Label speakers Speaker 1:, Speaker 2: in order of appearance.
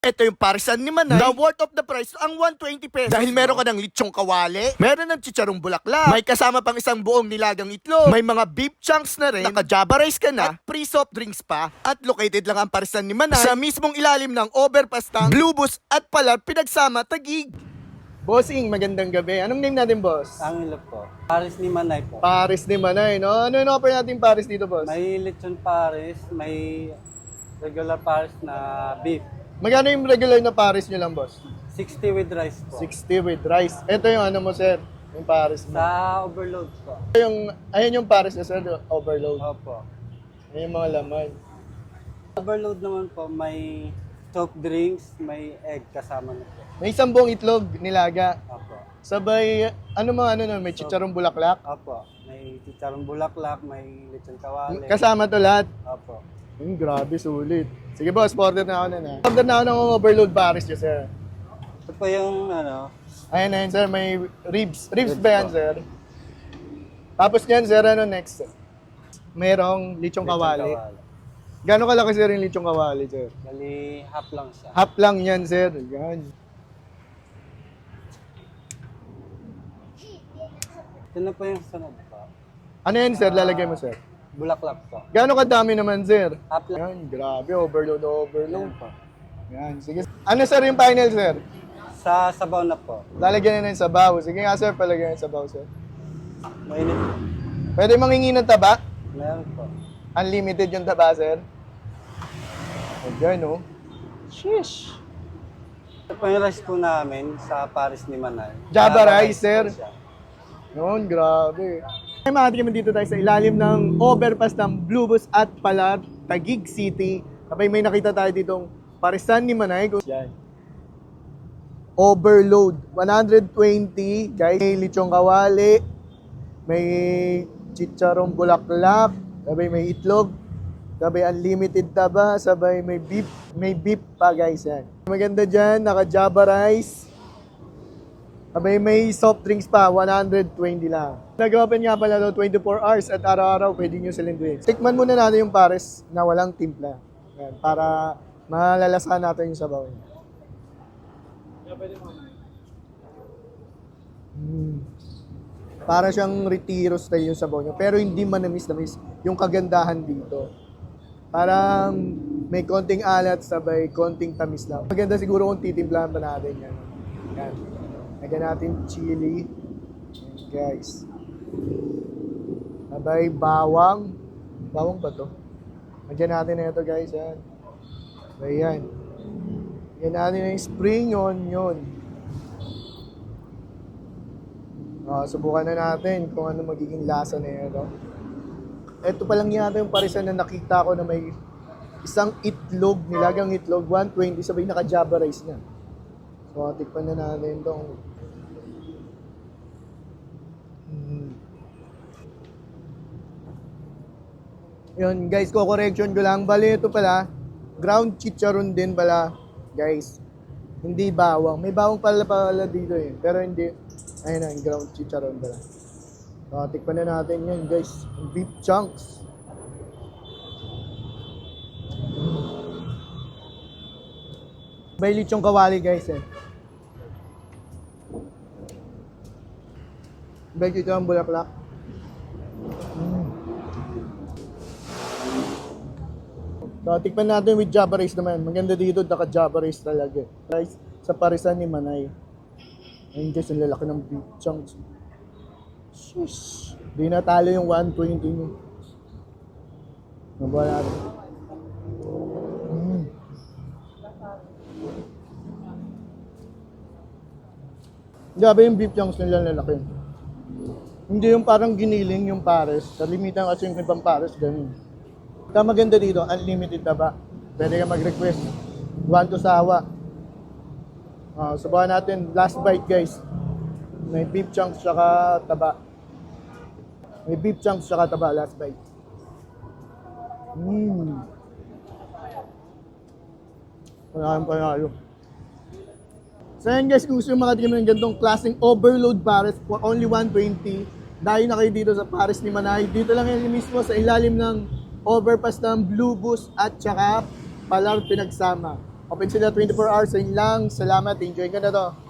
Speaker 1: ito yung parisan ni Manay na worth of the price ang 120 pesos. Dahil meron ka ng litsong kawali, meron ng chicharong bulaklak, may kasama pang isang buong nilagang itlog, may mga beef chunks na rin, naka-java rice ka na, at free soft drinks pa. At located lang ang parisan ni Manay sa mismong ilalim ng overpass ng Blue Bus at Palar pinagsama Taguig. Bossing, magandang gabi. Anong name natin, boss?
Speaker 2: Angelo po. Paris ni Manay po.
Speaker 1: Paris ni Manay, no? Ano yung offer natin Paris dito, boss?
Speaker 2: May lechon Paris, may regular Paris na beef.
Speaker 1: Magkano yung regular na Paris nyo lang, boss?
Speaker 2: 60 with rice po.
Speaker 1: 60 with rice. Ito yung ano mo, sir? Yung Paris mo.
Speaker 2: Sa overload po.
Speaker 1: Ayun yung Paris na, sir, overload.
Speaker 2: Opo.
Speaker 1: Ayun yung mga laman.
Speaker 2: Overload naman po, may soft drinks, may egg kasama na po.
Speaker 1: May isang buong itlog, nilaga.
Speaker 2: Opo.
Speaker 1: Sabay, may chicharong bulaklak.
Speaker 2: Opo. May chicharong bulaklak, may lechon kawali.
Speaker 1: Kasama to lahat.
Speaker 2: Opo.
Speaker 1: Grabe, sulit. Sige boss, order na ako na. Order na ako ng overload Paris nyo, sir.
Speaker 2: Ito po yung
Speaker 1: Ayun, sir, may ribs. Ribs ba yan,
Speaker 2: po.
Speaker 1: sir? Tapos yan, sir, ano next? Merong lichong kawali. Gano'ng kalaki, sir, yung lichong kawali, sir?
Speaker 2: Bali, half lang siya.
Speaker 1: Half lang yan, sir. Yan.
Speaker 2: Ito na po yung sunod po.
Speaker 1: Ano yan, sir? Lalagay mo, sir?
Speaker 2: Bulaklak po.
Speaker 1: Gano'ng kadami naman, sir?
Speaker 2: Half lang.
Speaker 1: Yan, grabe. Overload, overload.
Speaker 2: Yan po.
Speaker 1: Yan, sige. Ano, sir, yung final, sir?
Speaker 2: Sa sabaw na po.
Speaker 1: Lalagyan na ng sabaw. Sige nga, sir, palagyan ng sabaw, sir.
Speaker 2: Mainit po.
Speaker 1: Pwede mangingi ng taba?
Speaker 2: Meron po.
Speaker 1: Unlimited yung taba, sir. Ayan, oh. Sheesh.
Speaker 2: Ito po yung rice po namin sa Paris ni Manay.
Speaker 1: Java
Speaker 2: Java
Speaker 1: rice, sir.
Speaker 2: po siya.
Speaker 1: Yun, grabe. Ay, makatikiman dito tayo sa ilalim ng overpass ng Blue Bus at Palar, Taguig City. Kapag may nakita tayo ditong parisan ni Manay. Yan. Overload. 120, guys. May lichong kawali. May chicharong bulaklak. Sabay may itlog. Sabay unlimited taba. Sabay may beef. May beef pa, guys. Yan. Maganda dyan. Naka-java rice. Sabay may soft drinks pa. 120 lang. Nag-open nga pala daw 24 hours at araw-araw pwede nyo silang drinks. Tikman muna natin yung Paris na walang timpla. Yan, para malalasahan natin yung sabaw niya. Para siyang retiro style yung sabaw niya. Pero hindi manamis-namis yung kagandahan dito. Parang may konting alat sabay konting tamis lang. Maganda siguro kung titimplahan pa natin yan. Yan. Lagyan natin chili. Yan, guys. Sabay bawang. Bawang ba to? Lagyan natin na ito, guys. Yan. Sabay yan. Lagyan natin yung spring onion. Subukan na natin kung ano magiging lasa na ito. Ito pa lang yata yung parisan na nakita ko na may isang itlog, nilagang itlog, 120, sabay naka-java rice na. So, tikpan na natin itong Yun, guys, ko-correction ko lang. Bali, ito pala, ground chicharon din pala, guys. Hindi bawang. May bawang pala dito eh. Pero hindi. Ayun na, ground chicharon pala. So, tikpan na natin yan, guys. Beef chunks. May lichong kawali, guys, eh. May chicharon bulaklak. So, tikman natin with java rice naman. Maganda dito, naka-java rice talaga. Rice sa parisan ni Manay. Ayun guys, ang lalaki ng beef chunks. Shush! Di natalo yung 120 nyo. Nabuha natin. Grabe yung beef chunks nila lalaki. Hindi yung parang giniling yung pares. Kalimitan kasi yung ibang pares, ganun. Kaya maganda dito, unlimited taba. Pwede ka mag-request. One to sawa. Subukan natin, last bite guys. May beef chunks tsaka taba. May beef chunks tsaka taba, last bite. Panalo panalo. So yan guys, kung gusto yung makatikim ng ganitong klaseng overload pares for only 120, dahil na kayo dito sa Paris ni Manay. Dito lang yan mismo sa ilalim ng overpass ng Blue Bus at saka Palar pinagsama. Open sila 24 hours. Yun lang. Salamat. Enjoy ka na to.